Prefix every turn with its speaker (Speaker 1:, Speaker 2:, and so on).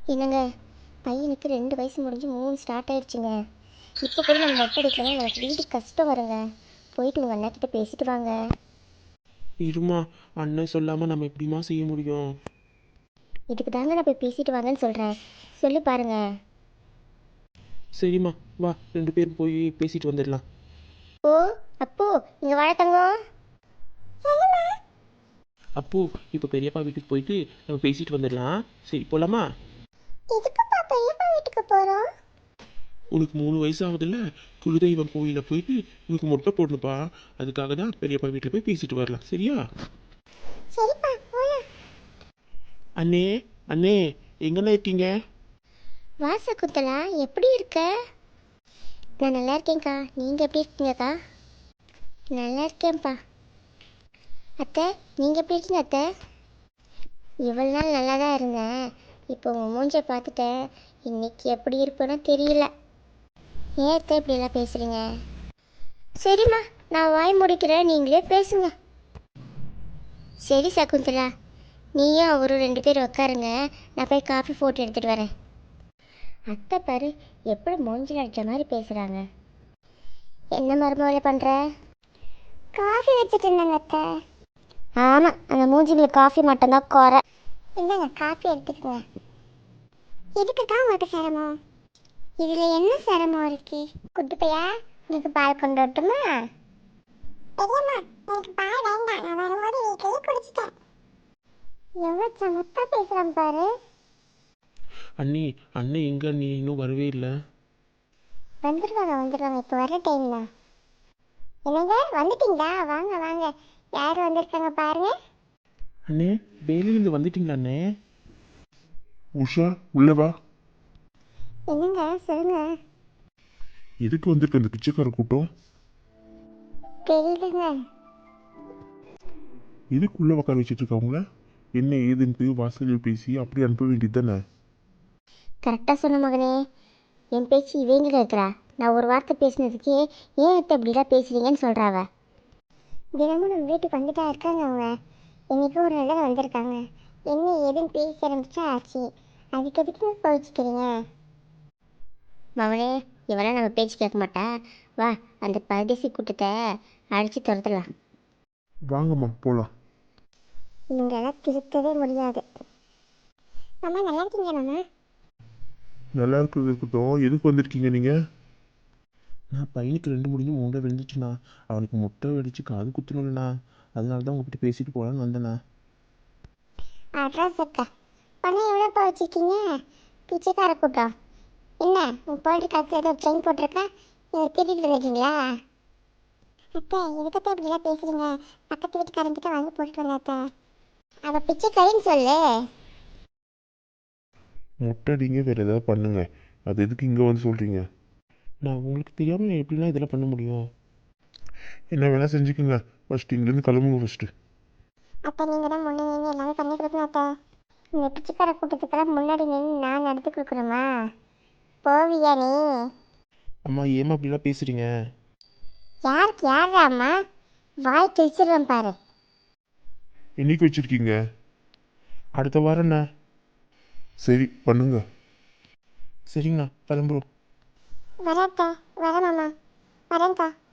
Speaker 1: என்னங்க, பையனுக்கு 2 வயசு முடிஞ்சு 3 ஸ்டார்ட் ஆயிடுச்சுங்க. இப்போ கூட நம்ம மொட்டை அடிக்கலாம், எனக்கு வீடு கஷ்டம் வருங்க. போயிட்டு உங்கள் அண்ணாக்கிட்ட பேசிட்டு வாங்க.
Speaker 2: இருமா, அண்ணன் சொல்லாமல் நம்ம எப்படிமா செய்ய முடியும்?
Speaker 1: இதுக்கு தாங்க நான் போய் பேசிட்டு வாங்கன்னு சொல்கிறேன். சொல்லி பாருங்க.
Speaker 2: சரிம்மா, வா 2 பேரும் போய் பேசிட்டு வந்துடலாம்.
Speaker 1: ஓ அப்போ இங்கே வாழ தங்கம்.
Speaker 2: அப்போ இப்போ பெரியப்பா வீட்டுக்கு போயிட்டு நம்ம பேசிட்டு வந்துடலாம். சரி போலாமா?
Speaker 1: எதுக்குப்பா பெரியப்பா வீட்டுக்கு போகிறோம்?
Speaker 2: உனக்கு 3 வயசு ஆகுதுல்ல, குலதெய்வம் கோயிலில் போயிட்டு உனக்கு மொட்டை போடணுப்பா. அதுக்காக தான் பெரியப்பா வீட்டில் போய் பேசிட்டு வரலாம். சரியா?
Speaker 1: சரிப்பா போகலாம்.
Speaker 2: அண்ணே, அண்ணே, எங்கண்ணே இருக்கீங்க?
Speaker 1: வாசகுந்தலா, எப்படி இருக்க? நான் நல்லா இருக்கேன்க்கா. நீங்கள் எப்படி இருக்கீங்கக்கா? நல்லா இருக்கேன்ப்பா. அத்தை, நீங்கள் எப்படி இருக்கீங்க அத்தை? இவ்வளோ நாள் நல்லா தான் இருந்தேன். இப்போ உங்கள் மூஞ்சை பார்த்துட்டேன். இன்னைக்கு எப்படி இருப்பேன்னு தெரியல. ஏன் அத்தை இப்படியெல்லாம் பேசுகிறீங்க? சரிம்மா, நான் வாய் முடிக்கிறேன், நீங்களே பேசுங்க. சரி சகுந்தலா, நீயும் அவரும் 2 பேரும் உட்காருங்க. நான் போய் காஃபி போட்டு எடுத்துகிட்டு வரேன். அத்தை பாரு, எப்படி மூஞ்சில் அடித்த மாதிரி பேசுகிறாங்க. என்ன மருமகளை பண்ணுற? காஃபி வச்சுட்டு இருந்தாங்க அத்தை. ஆமாம், அந்த மூஞ்சிங்களுக்கு காஃபி மட்டும்தான் குறை. இல்லைங்க, காஃபி எடுத்துக்கோங்க. எதுக்கு தான் உங்களுக்கு சிரமம்? இதில் என்ன சிரமம் இருக்கு? குட்டி பையா, உங்களுக்கு பால் கொண்டு வரட்டுமா? எனக்கு பால் வேண்டாம், நான் வரும்போது வீட்டிலேயே குடிச்சிட்டேன். எவ்வளோ சமத்தா பேசுகிறான் பாரு.
Speaker 2: அண்ணி, அண்ணன் எங்க? நீ இன்னும் வரவே இல்லை.
Speaker 1: வந்துடுவாங்க, இப்போ வர டைம் தான். என்னங்க, வந்துட்டீங்களா? வாங்க வாங்க, யார் வந்திருக்காங்க பாருங்க.
Speaker 2: அண்ணே, வேலையிலேருந்து வந்துட்டீங்களா அண்ணே?
Speaker 3: உஷா, உள்ள வா.
Speaker 1: என்னங்க, சொல்லுங்க.
Speaker 3: எதுக்கு வந்திருக்க இந்த பிச்சைக்கார கூட்டம்?
Speaker 1: தெரியலங்க.
Speaker 3: எதுக்கு உள்ள உட்கார வச்சுட்டு இருக்காங்கள? என்ன ஏதுன்ட்டு வாசலில் பேசி அப்படி அனுப்ப வேண்டியது தானே?
Speaker 1: கரெக்டாக சொன்ன மகனே. என் பேச்சு இவங்க இருக்கிறா. நான் ஒரு வார்த்தை பேசினதுக்கே ஏன் அத்தை இப்படிலாம் பேசுறீங்கன்னு சொல்கிறாவ. தினமும் நம்ம வீட்டுக்கு வந்துட்டா இருக்காங்க அவங்க. என்றைக்கும் ஒரு நாள் தான் வந்திருக்காங்க. என்ன ஏதுன்னு பேச ஆரம்பிச்சா ஆச்சு. அதுக்கு எதுக்கு கோவிச்சுக்கிறீங்க? மவனே, இவெல்லாம் நம்ம பேச்சு கேட்க மாட்டா. வா, அந்த பரதேசி கூட்டத்தை அடித்து துரத்தலாம்.
Speaker 3: வாங்கம்மா போலாம்.
Speaker 1: இவங்கெல்லாம் திருத்தவே முடியாது. அம்மா நல்லா இருக்கீங்க மாமா?
Speaker 3: நல்லா இருக்கிறது இருக்கட்டும், எதுக்கு வந்திருக்கீங்க நீங்க?
Speaker 2: நான் பையனுக்கு 2 முடிஞ்சு 3 விழுந்துச்சுண்ணா. அவனுக்கு முட்டை வெடிச்சு காது குத்தணும்லண்ணா. அதனால தான் உங்ககிட்ட பேசிட்டு போகலான்னு வந்தேண்ணா.
Speaker 1: அட்ரஸ் இருக்கா? பணம் எவ்வளோப்பா வச்சுருக்கீங்க? பிச்சைக்கார கூட்டம். என்ன உன் போயிட்டு காசு ஏதோ ட்ரெயின் போட்டிருக்கா, இதை திருடிட்டு வந்துட்டீங்களா? அத்தை, எதுக்கத்தை இப்படிலாம் பேசுகிறீங்க? பக்கத்து வீட்டுக்காரங்கிட்ட வாங்கி போட்டுட்டு வந்த அத்தை. அவள் பிச்சைக்காரின்னு சொல்லு.
Speaker 3: மொட்டை அடிங்க, வேற ஏதாவது பண்ணுங்க. அது எதுக்கு இங்கே வந்து சொல்றீங்க?
Speaker 2: நான் உங்களுக்கு தெரியாமல் எப்படிலாம் இதெல்லாம் பண்ண முடியும்?
Speaker 3: என்ன வேணா செஞ்சுக்குங்க. ஃபர்ஸ்ட் இங்கேருந்து கிளம்புங்க ஃபர்ஸ்ட்.
Speaker 1: அத்தை, நீங்கள் தான் முன்னே நின்று எல்லாமே பண்ணி கொடுக்கணும் அத்தை. இந்த பிச்சைக்கார கூட்டத்துக்கெல்லாம் முன்னாடி நின்று நான் நடத்தி கொடுக்கணுமா? போவியா நீ?
Speaker 2: அம்மா, ஏமா அப்படிலாம் பேசுகிறீங்க?
Speaker 1: யாருக்கு யாரா அம்மா? வாய் கிழிச்சிடுறேன் பாரு.
Speaker 3: என்னைக்கு வச்சிருக்கீங்க?
Speaker 2: அடுத்த வாரம்ண்ணா.
Speaker 3: சரி பண்ணுங்க.
Speaker 2: சரிங்கண்ணா, கிளம்புறோம்.
Speaker 1: வரேன்க்கா, வரேன் மாமா, வரேன்க்கா.